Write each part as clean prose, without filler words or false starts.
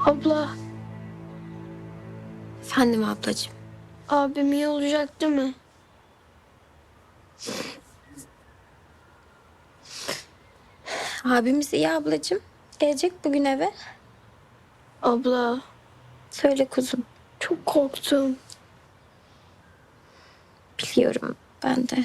Abla, Efendim ablacığım. abim iyi olacak değil mi? Abimiz iyi ablacığım. Gelecek bugün eve. Abla, Söyle kuzum. çok korktum. Biliyorum ben de.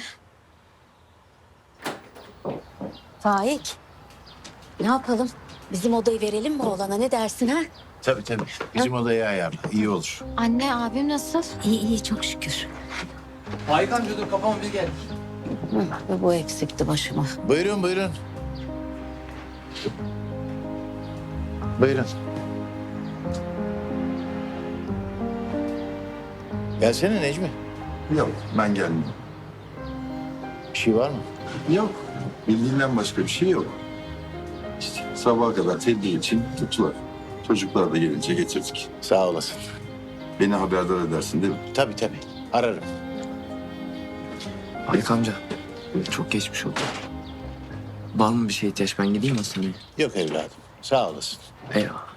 Faik, ne yapalım? Bizim odayı verelim mi oğlana, ne dersin ha? Tabii tabii. Bizim odayı ayarla. İyi olur. Anne abim nasıl? İyi iyi, çok şükür. Faik amca dur kafama bir geldik. Ve bu eksikti başıma. Buyurun buyurun. Buyurun. Gelsene Necmi. Yok, ben gelmiyorum. Bir şey var mı? Yok, bildiğinden başka bir şey yok. İşte sabaha kadar tedbir için tuttular. Çocuklar da gelince getirdik. Sağ olasın. Beni haberdar edersin değil mi? Tabii tabii. Ararım. Faik amca çok geçmiş oldu. Var mı bir şey ihtiyaç, ben gideyim hastaneye? Yok evladım. Sağ olasın. Eyvallah.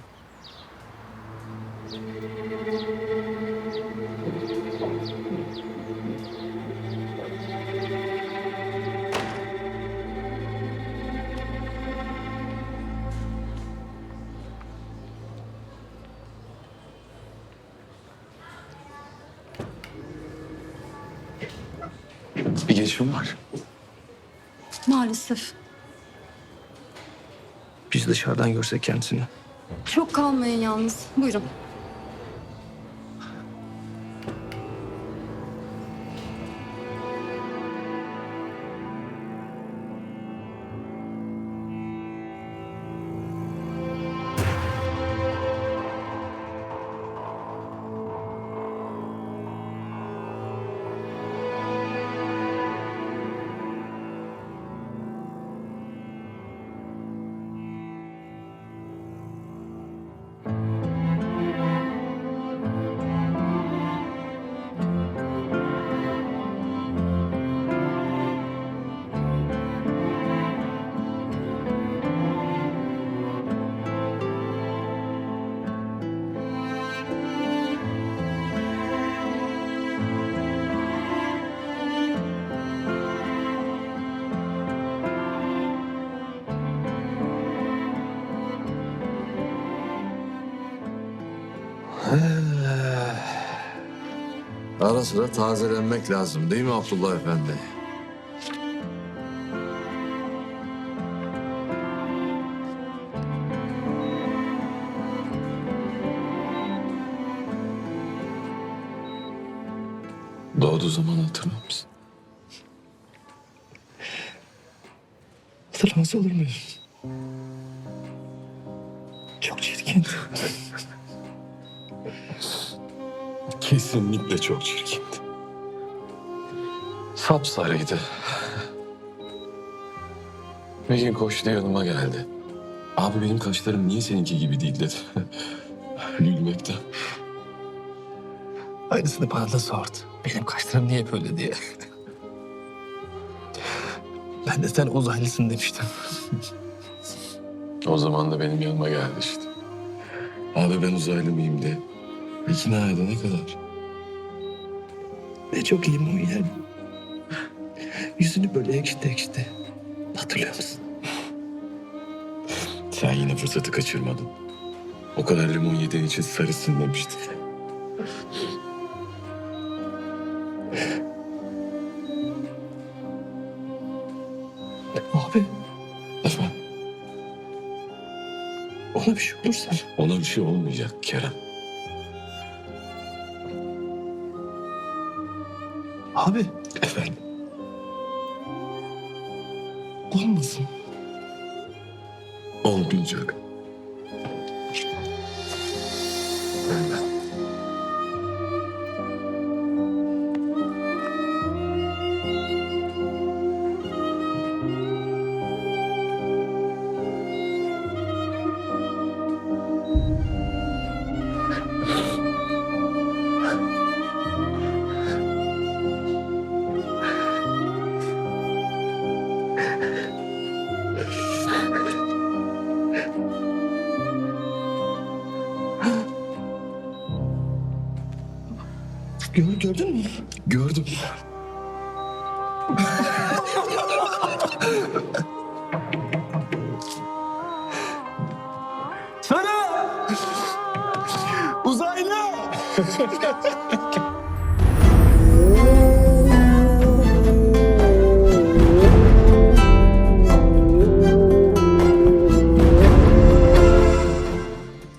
Bir gelişim var. Maalesef. Biz dışarıdan görsek kendisini. Çok kalmayın yalnız. Buyurun. Ara sıra tazelenmek lazım değil mi Abdullah Efendi? Doğduğu zaman hatırlar mısın? Hatırlamaz olur muyum? Çok çirkin. Kesinlikle çok çirkindi. Sapsarıydı. Bir gün koştu yanıma geldi. Abi benim kaşlarım niye seninki gibi değil dedi. Gülmekten. Aynısını bana da sordu. Benim kaşlarım niye böyle diye. Ben de sen uzaylısın demiştim. O zaman da benim yanıma geldi işte. Abi ben uzaylı mıyım diye. İkna edene kadar. Ne çok limon yer. Yüzünü böyle ekşidi ekşidi. Hatırlıyor musun? Sen yine fırsatı kaçırmadın. O kadar limon yediğin için sarısın demişti. Abi Efendim, ona bir şey olursa. ona bir şey olmayacak Kerem. Abi Efendim, olmasın. olmayacak. Gördün mü? Gördüm. Sana! Uzaylı!